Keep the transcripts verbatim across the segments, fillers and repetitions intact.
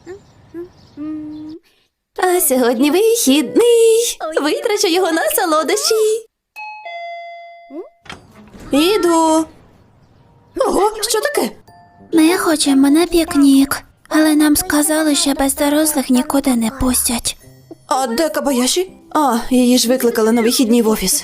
А сьогодні вихідний. Витрачу його на солодощі. Іду. Ого, що таке? Ми хочемо на пікнік, але нам сказали, що без дорослих нікуди не пустять. А де Кабаяші? А, її ж викликали на вихідні в офіс.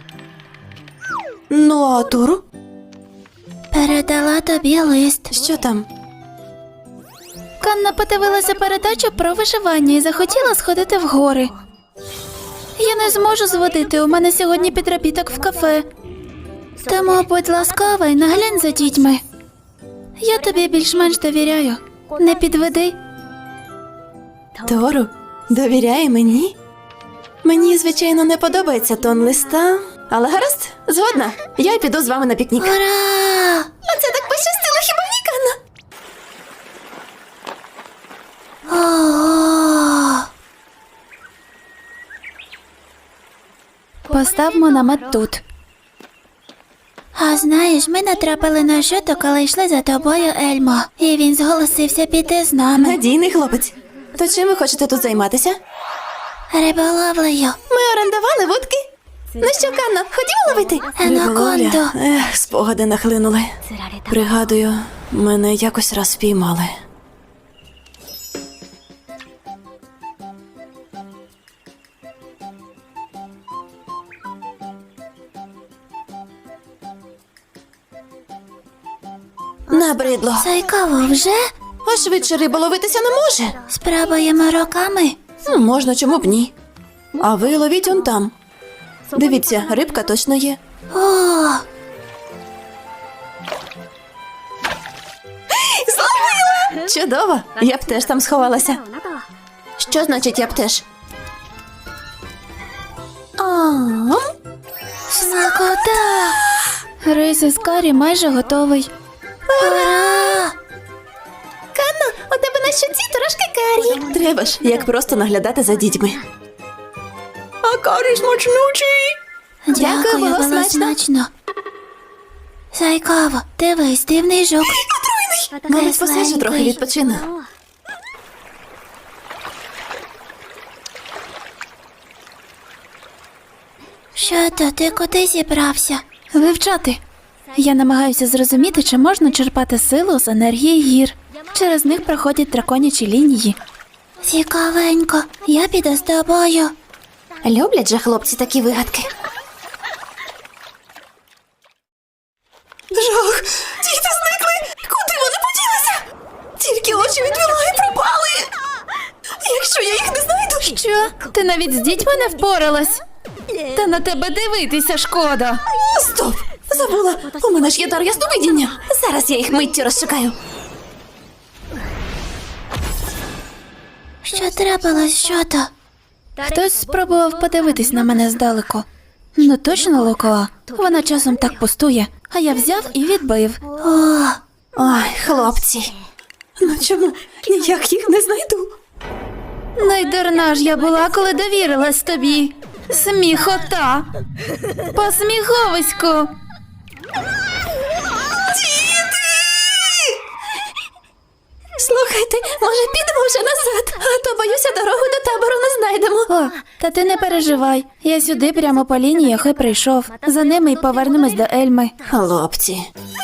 Ну, а Тору? Передала тобі лист. Що там? Канна подивилася передачу про виживання і захотіла сходити в гори. Я не зможу зводити, у мене сьогодні підробіток в кафе. Тому будь ласкава і наглянь за дітьми. Я тобі більш-менш довіряю. Не підведи. Тору, довіряє мені? Мені, звичайно, не подобається тон листа, але гаразд, згодна. Я піду з вами на пікнік. Ура! А це так пощастило, хіба ні, Канна? Ого! Поставмо намет тут. А знаєш, ми натрапили на Жото, коли йшли за тобою, Ельмо. І він зголосився піти з нами. Надійний хлопець. То чим ви хочете тут займатися? Риболовлею. Ми орендували вудки. Ну що, Канно, ходімо ловити? Анаконду. Ех, спогади нахлинули. Пригадую, мене якось раз впіймали. Набридло. Цікаво, вже? А швидше риба ловитися не може. Спробуємо руками. Ну, можна, чому б ні. А ви ловіть он там. Дивіться, рибка точно є. О, Зловила! Чудово! Я б теж там сховалася. Що значить я б теж? Ам. смакота! Рис із карі майже готовий. Ура! Канно, у тебе на щоці трошки карі. Треба ж, як просто наглядати за дітьми. А карі смачнючий. Дякую, Дякую, було було смачно. смачно. Зайкаво, дивись, дивний жук. Мабуть, посиджу трохи відпочину. Що то, ти куди зібрався? Вивчати. Я намагаюся зрозуміти, чи можна черпати силу з енергії гір. Через них проходять драконячі лінії. Цікавенько, я піду з тобою. Люблять же хлопці такі вигадки. Жах! Діти зникли! Куди вони поділися? Тільки очі відвела і пропали! Якщо я їх не знайду... Що? Ти навіть з дітьми не впоралась? Та на тебе дивитися шкода. Стоп! Забула! У мене ж є дар ясновидіння! Зараз я їх миттю розшукаю. Що трапилось, що то? Хтось спробував подивитись на мене здалеку. Ну точно Лукоа. Вона часом так пустує, а я взяв і відбив. О, Ой, хлопці. Ну чому? Ніяк їх не знайду. Найдурна ж я була, коли довірилась тобі. Сміхота. Посміховисько. Слухайте, може підемо вже назад, а то, боюся, дорогу до табору не знайдемо. О, та ти не переживай. Я сюди прямо по лініях і прийшов. За ними й повернемось до Ельми. Хлопці.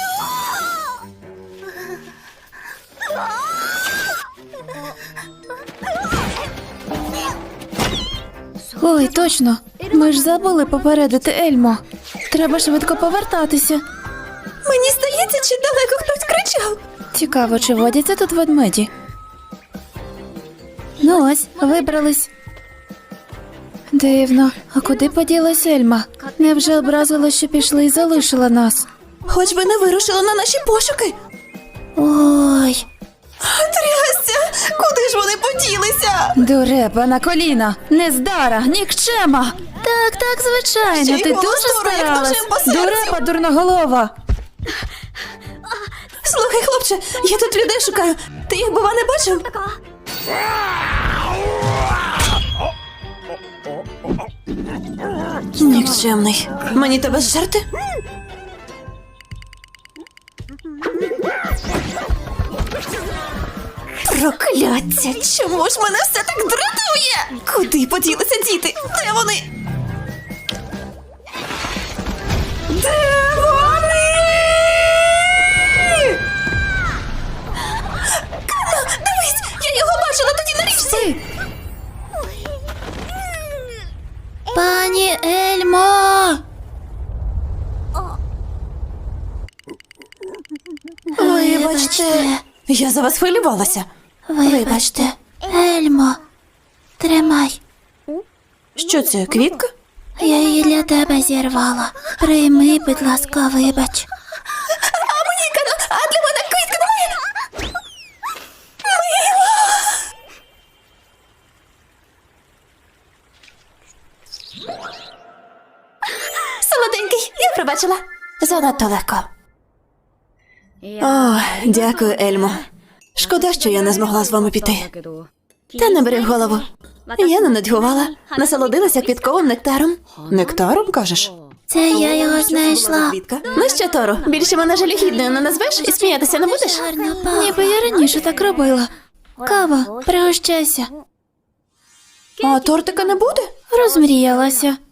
Ой, точно. Ми ж забули попередити Ельмо. Треба швидко повертатися. Мені здається, чи далеко хтось кричав. Цікаво, чи водяться тут ведмеді? Ну ось, вибрались. Дивно, а куди поділась Ельма? Невже образила, що пішли і залишила нас? Хоч би не вирушила на наші пошуки. ой, Трясся! Куди ж вони поділися? Дурепа на коліна, нездара, нікчема. Так, так, звичайно, Ще й ти голос дуже дурний, як старалась. ножем по серцю. Дурепа, дурноголова. Слухай, хлопче, я тут людей шукаю. Ти їх, бува, не бачив? Нікчемний. Мені тебе зжерти? Прокляття! Чому ж мене все так дратує? Куди поділися діти? Де вони? Де вони? Канна, дивись! Я його бачила тоді на річці! Пані Ельмо! Вибачте. Я за вас хвилювалася. Вибачте. Ельмо, тримай. Що це, квітка? Я її для тебе зірвала. Прийми, будь ласка, вибач. А мені, Канна, а для мене квітка немає? Солоденький, я пробачила. Занадто легко. О, дякую, Ельмо. Шкода, що я не змогла з вами піти. Та не бери в голову. Я не нудьгувала, насолодилася квітковим нектаром. Нектаром, кажеш? Це я його знайшла. Квітка? Ну що, Торо, більше мене жалюгідною не назвеш і сміятися не будеш? Гарно пахне. Ніби я раніше так робила. Кава, пригощайся. А тортика не буде? Розмріялася.